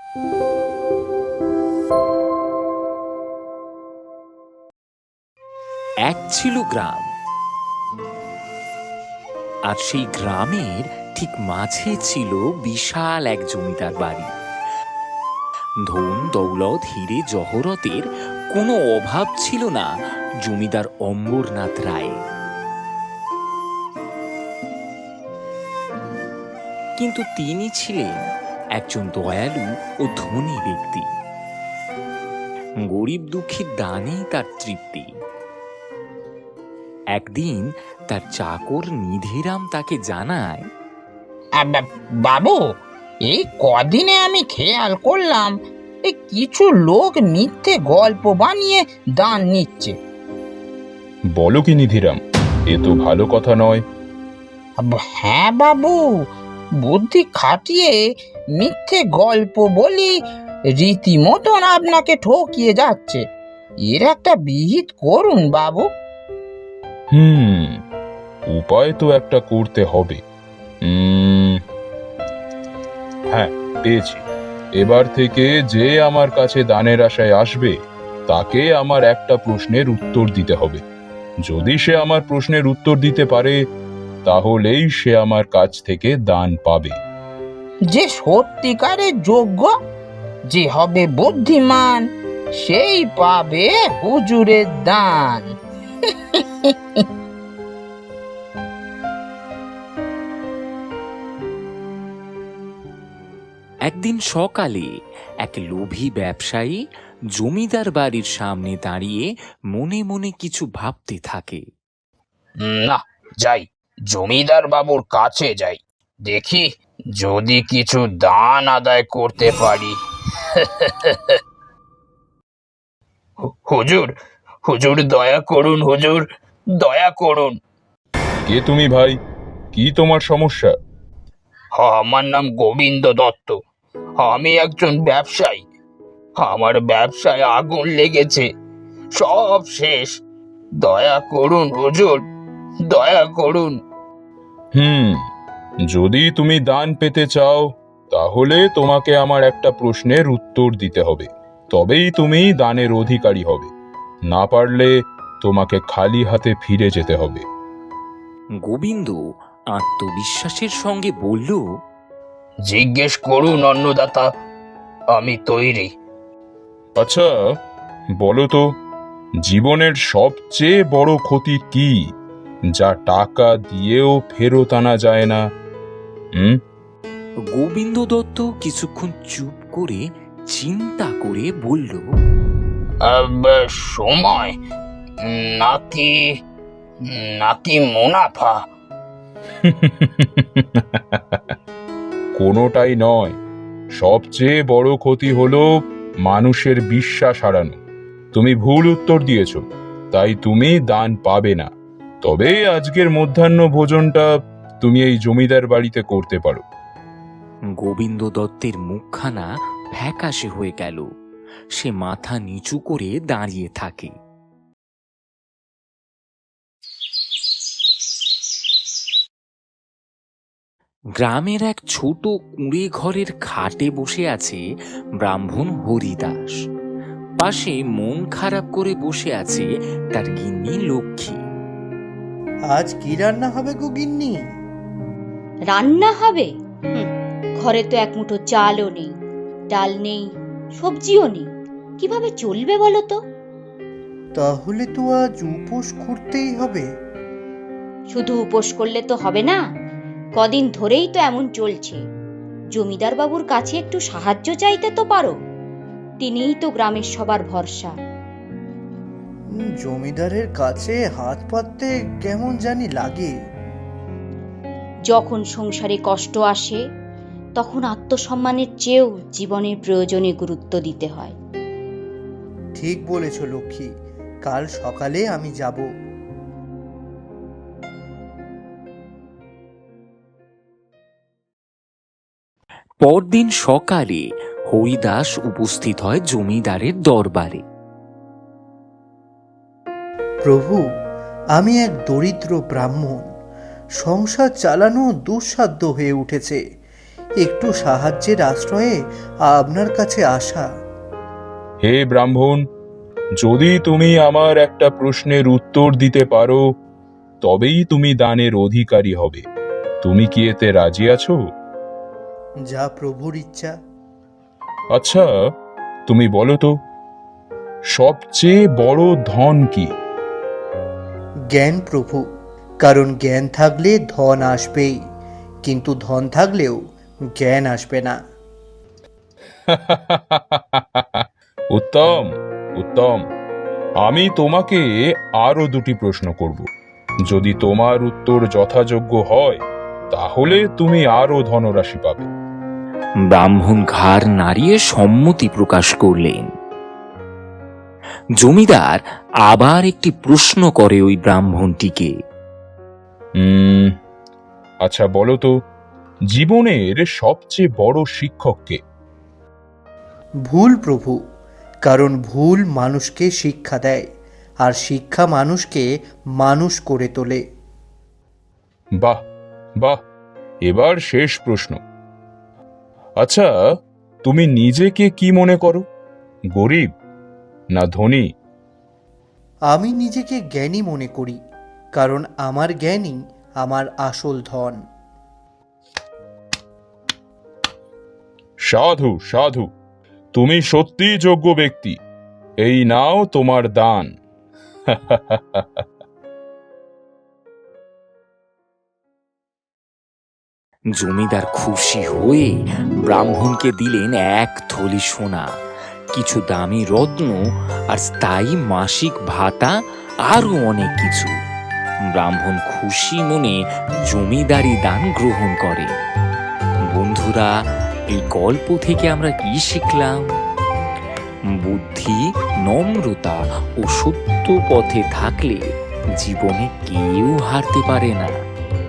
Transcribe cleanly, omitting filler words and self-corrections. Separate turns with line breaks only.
এক ছিল গ্রাম, আর সেই গ্রামের ঠিক মাঝে ছিল বিশাল এক জমিদার বাড়ি। ধন দৌলত হিরে জহরতের কোনো অভাব ছিল না জমিদার অম্বরনাথ রায়। কিন্তু তিনি ছিলেন একজন দয়ালু ও ধনী ব্যক্তি। গরিব দুঃখীর দানেই তার তৃপ্তি। একদিন তার চাকর নিধিরাম তাকে জানায়,
বাবু, এই কদিনে আমি খেয়াল করলাম কিছু লোক মিথ্যে গল্প বানিয়ে দান নিচ্ছে।
বলো কি নিধিরাম, এ তো ভালো কথা নয়।
হ্যাঁ বাবু, বুদ্ধি খাটিয়ে মিথ্যে গল্প বলি রীতিমতন আপনাকে ঠকিয়ে যাচ্ছে। এর একটা বিহিত করুন বাবু।
উপায় তো একটা করতে হবে। হ্যাঁ, পেয়েছি। এবার থেকে যে আমার কাছে দানের আশায় আসবে তাকে আমার একটা প্রশ্নের উত্তর দিতে হবে। যদি সে আমার প্রশ্নের উত্তর দিতে পারে তাহলেই সে আমার কাছ থেকে দান পাবে।
যে সত্যিকারের যোগ্য, যে হবে বুদ্ধিমান, সেই পাবে হুজুরের দান।
একদিন সকালে এক লোভী ব্যবসায়ী জমিদার বাড়ির সামনে দাঁড়িয়ে মনে মনে কিছু ভাবতে থাকে।
না, যাই, জমিদার বাবুর কাছে যাই, দেখি যদি কিছু দান আদায় করতে পারি। হুজুর, হুজুর দয়া করুন, হুজুর দয়া করুন।
কে তুমি ভাই? কি তোমার সমস্যা?
আমার নাম গোবিন্দ দত্ত। আমি একজন ব্যবসায়ী। আমার ব্যবসায় আগুন লেগেছে, সব শেষ। দয়া করুন হুজুর, দয়া করুন।
যদি তুমি দান পেতে চাও তাহলে তোমাকে আমার একটা প্রশ্নের উত্তর দিতে হবে, তবেই তুমি দানের অধিকারী হবে। না পারলে তোমাকে খালি হাতে ফিরে যেতে হবে।
গোবিন্দ আত্মবিশ্বাসের সঙ্গে বলল,
জিজ্ঞেস করুন অন্নদাতা, আমি তৈরি।
আচ্ছা, বলো তো, জীবনের সবচেয়ে বড় ক্ষতি কি, যা টাকা দিয়েও ফেরত আনা যায় না?
গোবিন্দ দত্ত কিছুক্ষণ চুপ করে চিন্তা করে বলল,
সময়, নাকি নাকি মুনাফা?
কোনোটাই নয়। সবচেয়ে বড় ক্ষতি হলো মানুষের বিশ্বাস হারানো। তুমি ভুল উত্তর দিয়েছ, তাই তুমি দান পাবে না। তবে আজকের মধ্যাহ্ন ভোজনটা তুমি এই জমিদার বাড়িতে করতে পারো।
গোবিন্দ দত্তের মুখখানা ফ্যাকাশে হয়ে গেল। সে মাথা নিচু করে দাঁড়িয়ে থাকে। গ্রামের এক ছোট কুঁড়ে ঘরের খাটে বসে আছে ব্রাহ্মণ হরিদাস। পাশে মন খারাপ করে বসে আছে তার গিন্নি লক্ষ্মী।
আজ কি রান্না হবে গো গিন্নি?
রান্না হবে? ঘরে তো এক মুঠো চালও নেই, ডাল নেই, সবজিও নেই, কিভাবে চলবে বলো তো?
তাহলে তো আজ উপোস করতেই হবে।
শুধু উপোস করলে তো হবে না, কদিন ধরেই তো এমন চলছে। জমিদার বাবুর কাছে একটু সাহায্য চাইতে তো পারো, তিনিই তো গ্রামের সবার ভরসা।
জমিদারের কাছে হাত পাততে কেমন জানি লাগে।
যখন সংসারে কষ্ট আসে তখন আত্মসম্মানের চেয়েও জীবনের প্রয়োজনে গুরুত্ব দিতে হয়।
ঠিক বলেছ লক্ষ্মী, কাল সকালে আমি যাব।
পরদিন সকালে হরিদাস উপস্থিত হয় জমিদারের দরবারে।
প্রভু, আমি এক দরিদ্র ব্রাহ্মণ। সংসার চালানো দুঃসাধ্য হয়ে উঠেছে। একটু সাহায্যের আশ্রয়ে আপনার কাছে আসা।
হে ব্রাহ্মণ, যদি তুমি আমার একটা প্রশ্নের উত্তর দিতে পারো তবেই তুমি দানের অধিকারী হবে। তুমি কি এতে রাজি আছো?
যা প্রভুর ইচ্ছা।
আচ্ছা, তুমি বলো তো, সবচেয়ে বড় ধন কি?
জ্ঞান প্রভু, কারণ জ্ঞান থাকলে ধন আসবেই, কিন্তু ধন থাকলেও জ্ঞান আসবে না।
উত্তম, উত্তম। আমি তোমাকে আরো দুটি প্রশ্ন করব। যদি তোমার উত্তর যথাযোগ্য হয় তাহলে তুমি আরো ধনরাশি পাবে।
ব্রাহ্মণ ঘাড় নাড়িয়ে সম্মতি প্রকাশ করলেন। জমিদার আবার একটি প্রশ্ন করে ওই ব্রাহ্মণটিকে।
আচ্ছা বলো তো, জীবনের সবচেয়ে বড় শিক্ষক কে?
ভুল প্রভু, কারণ ভুল মানুষকে শিক্ষা দেয়, আর শিক্ষা মানুষকে মানুষ করে তোলে।
বাহ, বাহ। এবার শেষ প্রশ্ন। আচ্ছা, তুমি নিজেকে কি মনে করো, গরিব না ধনী?
আমি নিজেকে জ্ঞানী মনে করি, কারণ আমার জ্ঞানই আমার আসল ধন।
সাধু, সাধু, তুমি সত্যিই যোগ্য ব্যক্তি। এই নাও তোমার দান।
জমিদার খুশি হয়ে ব্রাহ্মণকে দিলেন এক থলি সোনা, কিছু দামি রত্ন আর স্থায়ী মাসিক ভাতা, আরো অনেক কিছু। ব্রাহ্মণ খুশি মনে জমিদারি দান গ্রহণ করে। বন্ধুরা, এই গল্প থেকে আমরা কি শিখলাম? বুদ্ধি, নম্রতা ও সত্য পথে থাকলে জীবনে কেউ হারতে পারে না।